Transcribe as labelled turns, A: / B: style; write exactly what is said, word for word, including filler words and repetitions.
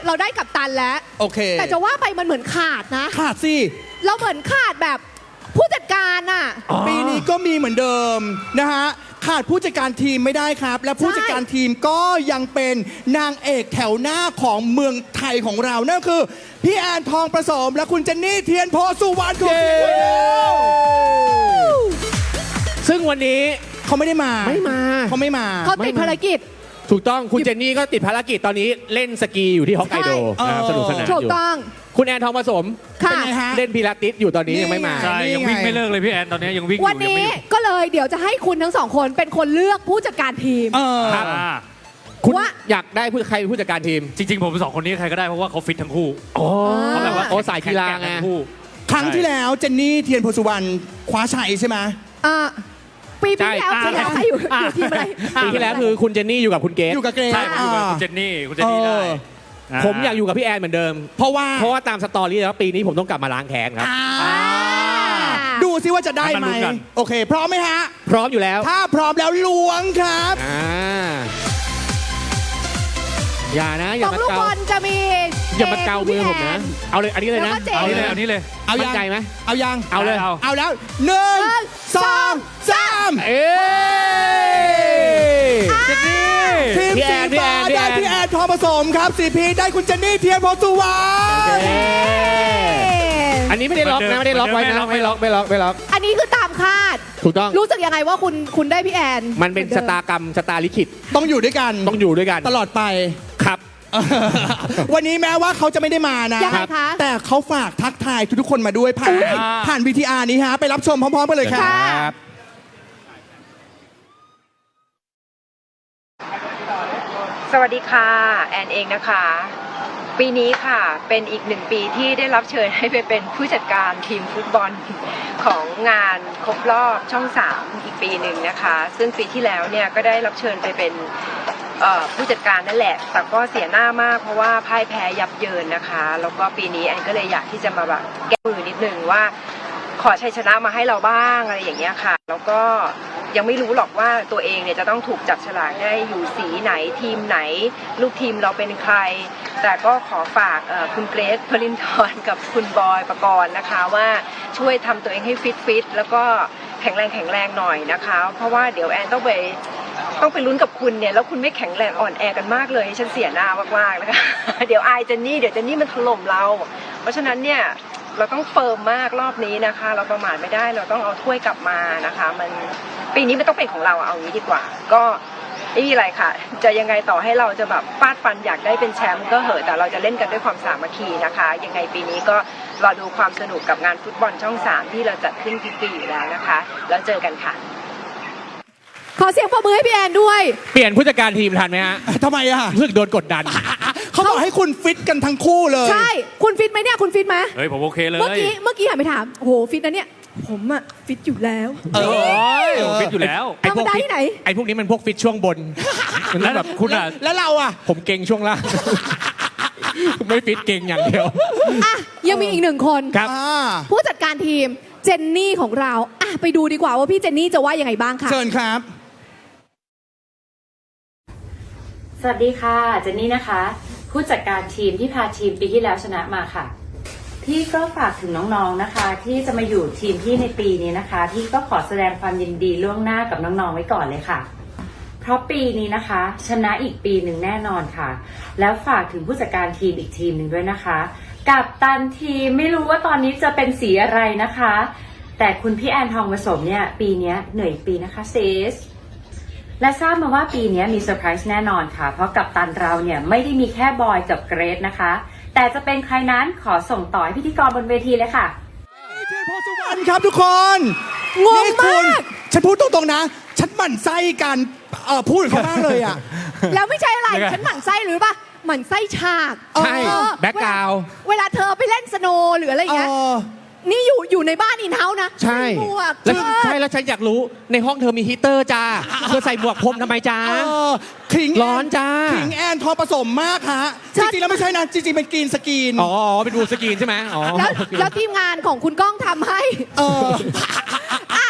A: เราได้กัปตันแล้ว
B: โอเค
A: แต่จะว่าไปมันเหมือนขาดนะ
B: ขาดสิ
A: เราเหมือนขาดแบบผู้จัดการอ่ะ
B: ปีนี้ก็มีเหมือนเดิมนะฮะขาดผู้จัดการทีมไม่ได้ครับและผู้จัดการทีมก็ยังเป็นนางเอกแถวหน้าของเมืองไทยของเรานั่นคือพี่แอนทองประสมและคุณเจนนี่เทียนโพสุวรรณคุณ
C: ซึ่งวันนี้
B: เขาไม่ได้มา
C: ไม่มา
B: เขาไม่มา
A: เขาติดภารกิจ
C: ถูกต้องคุณเจนนี่ก็ติดภารกิจตอนนี้เล่นสกีอยู่ที่ฮอกไกโดนะครับสนุกสนานอยู่
A: ถูกต้อง
C: คุณแอนทองผสม
A: ค่ะ
C: เล่นพิลาติสอยู่ตอนนี้ยังไม่มา
D: ใช่ยังวิ่งไม่เลิกเลยพี่แอนตอนนี้ยังวิ่งอยู่
A: วันนี้ก็เลยเดี๋ยวจะให้คุณทั้งสองคนเป็นคนเลือกผู้จัดการทีม
C: ครับคุณอยากได้ผู้ใครเป็นผู้จัดการทีม
D: จริงๆผมสองคนนี้ใครก็ได้เพราะว่าเขาฟิตทั้งคู่
C: เขาแบบว่าโอ้สายกีฬาไง
B: ครั้งที่แล้วเจนนี่เทียนโพสุวรรณคว้าชัยใช่ไหม
A: อ่าปีที่แล้วปีที่แล้วใครอยู่อยู่ทีมอะไร
C: ปีที่แล้วคือคุณเจนนี่อยู่กับคุณเกรซ
B: อยู่กับเกรซ
D: ใช่อยู่กับคุณเจนนี่คุณเจนนี่ได้
C: ผมอยากอยู่กับพี่แอนเหมือนเดิม
B: เพราะว่า
C: เพราะว่าตามสตอรี่แล้วปีนี้ผมต้องกลับมาล้างแค้นครับ
B: ดูซิว่าจะได้ไหมโอเคพร้อมไหมฮะ
C: พร้อมอยู่แล้ว
B: ถ้าพร้อมแล้วล้วงครับ
C: อย่านะอย่ามา
A: เกาลูกบอลจะมี
C: อย่ามาเกามือผมนะเอาเลยอันนี้เลยนะ
D: เอานี้เลยเอานี้เลย
B: เอา
C: ยังใจไหม
B: เอายัง
C: เอาเลย
B: เอาแล้วหนึ่งสองสาม
C: เอ้
B: เจนนี่ทีมสีฟ้าได้พี่แอนทองผสมครับสีพีได้คุณเจนนี่เทียนโพสุวรรณ
C: อันนี้ไม่ได้ล็อกนะไม่ได้ล็อกไว้นะไม่ล็อกไม่ล็อกไม่ล็อก
A: อันนี้คือตามคาด
C: ถูกต้อง
A: รู้สึกยังไงว่าคุณคุณได้พี่แอน
C: มันเป็นชะตากรรมชะตาลิขิต
B: ต้องอยู่ด้วยกัน
C: ต้องอยู่ด้วยกัน
B: ตลอดไป
C: ครับ
B: วันนี้แม้ว่าเขาจะไม่ได้มานะแต่เขาฝากทักทายทุกๆคนมาด้วยผ่านผ่าน วี ที อาร์ นี้ฮะไปรับชมพร้อมๆกันเลยครับ
E: สวัสดีค่ะแอนเองนะคะปีนี้ค่ะเป็นอีกหนึ่งปีที่ได้รับเชิญให้ไปเป็นผู้จัดการทีมฟุตบอลของงานครบรอบช่องสามอีกปีหนึ่งนะคะซึ่งปีที่แล้วเนี่ยก็ได้รับเชิญไปเป็นผู้จัดการนั่นแหละแต่ก็เสียหน้ามากเพราะว่าพ่ายแพ้ยับเยินนะคะแล้วก็ปีนี้แอนก็เลยอยากที่จะมาแบบแก้มือนิดนึงว่าขอชัยชนะมาให้เราบ้างอะไรอย่างเงี้ยค่ะแล้วก็ยังไม่รู้หรอกว่าตัวเองเนี่ยจะต้องถูกจับฉลากได้อยู่สีไหนทีมไหนลูกทีมเราเป็นใครแต่ก็ขอฝากคุณเกรซ พลินทร์กับคุณบอยปกรณ์นะคะว่าช่วยทำตัวเองให้ฟิตฟิตแล้วก็แข็งแรงแข็งแรงหน่อยนะคะเพราะว่าเดี๋ยวแอนต้องไปต้องไปลุ้นกับคุณเนี่ยแล้วคุณไม่แข็งแรงอ่อนแอกันมากเลยฉันเสียหน้ามากๆนะคะเดี๋ยวอายเจนนี่เดี๋ยวเจนนี่มันถล่มเราเพราะฉะนั้นเนี่ยเราต้องเฟิร์มมากรอบนี้นะคะเราประมาทไม่ได้เราต้องเอาถ้วยกลับมานะคะมันปีนี้ไม่ต้องเป็นของเราเอางี้ดีกว่าก็ไม่มีอะไรค่ะจะยังไงต่อให้เราจะแบบฟาดฟันอยากได้เป็นแชมป์ก็เหอะแต่เราจะเล่นกันด้วยความสามัคคีนะคะยังไงปีนี้ก็รอดูความสนุกกับงานฟุตบอลช่องสามที่เราจัดขึ้นทุกปีอยู่แล้วนะคะแล้วเจอกันค่ะ
A: ขอเสียงปรบมือให้พี่แอนด้วย
C: เปลี่ยนผู้จัดการทีมทันไหมฮะ
B: ทำไมอะ
C: รู้สึกโดนกดดัน
B: เขาบอกให้คุณฟิตกันทั้งคู่เลย
A: ใช่คุณฟิตไหมเนี่ยคุณฟิตไหม
D: เฮ้ยผมโอเคเลย
A: เมื่อกี้เมื่อกี้หันไปถามโอ้โหฟิตนะเนี่ยผมอะฟิตอยู่แล้ว
D: เออฟิตอยู่แล้ว
A: ไอ้พวกที่ไหน
C: ไอ้พวกนี้มันพวกฟิตช่วงบน
B: แล้วแบบคุณอะแล้วเราอะ
C: ผมเก่งช่วงล่างไม่ฟิตเก่งอย่างเดียว
A: อ่ะยังมีอีกหนึ่งคน
C: ครับ
A: ผู้จัดการทีมเจนนี่ของเราอ่ะไปดูดีกว่าว่าพี่เจนนี่จะว่ายังไงบ้างค่ะ
B: เชิญครับ
F: สวัสดีค่ะเจนนี่นะคะผู้จัดการทีมที่พาทีมปีที่แล้วชนะมาค่ะพี่ก็ฝากถึงน้องๆนะคะที่จะมาอยู่ทีมพี่ในปีนี้นะคะพี่ก็ขอแสดงความยินดีล่วงหน้ากับน้องๆไว้ก่อนเลยค่ะเพราะปีนี้นะคะชนะอีกปีหนึ่งแน่นอนค่ะแล้วฝากถึงผู้จัดการทีมอีกทีมหนึ่งด้วยนะคะกัปตันทีมไม่รู้ว่าตอนนี้จะเป็นสีอะไรนะคะแต่คุณพี่แอนทองผสมเนี่ยปีนี้เหนื่อยปีนะคะเซสและทราบมาว่าปีนี้มีเซอร์ไพรส์แน่นอนค่ะเพราะกัปตันเราเนี่ยไม่ได้มีแค่บอยกับเกรซนะคะแต่จะเป็นใครนั้นขอส่งต่อให้พิธีกรบนเวทีเลยค่ะ
B: เทียนโพสุวรรณครับทุกคน
A: งงมาก
B: ฉันพูดตรงๆนะฉันหมั่นไส้กันเอ่อพูดเขามากเลยอ่ะ
A: แล้วไม่ใช่อะไรฉันหมั่นไส้หรือปะหมั่นไส้ฉาก
C: ใช่แบ็คกราวด์
A: เวลาเธอไปเล่นสโนว์หรืออะไรอย่างเงี้ยนี่อยู่อยู่ในบ้านอินเฮ้าส์นะ
C: ใช่แล้วใช่แล้วฉันอยากรู้ในห้องเธอมีฮีเตอร์จ้าเธอใส่หมวกพรมทำไมจ้า
B: ขิง
C: ร้อนจ้า
B: ขิงแอนทองผสมมากฮะจริงๆแล้วไม่ใช่นะจริงๆเป็นกรีนสกรีน
C: อ๋อเป็นบูสกรีนใช่ไหมอ๋อ
A: แล้วแล้วทีมงานของคุณก้องทำให้
B: เออ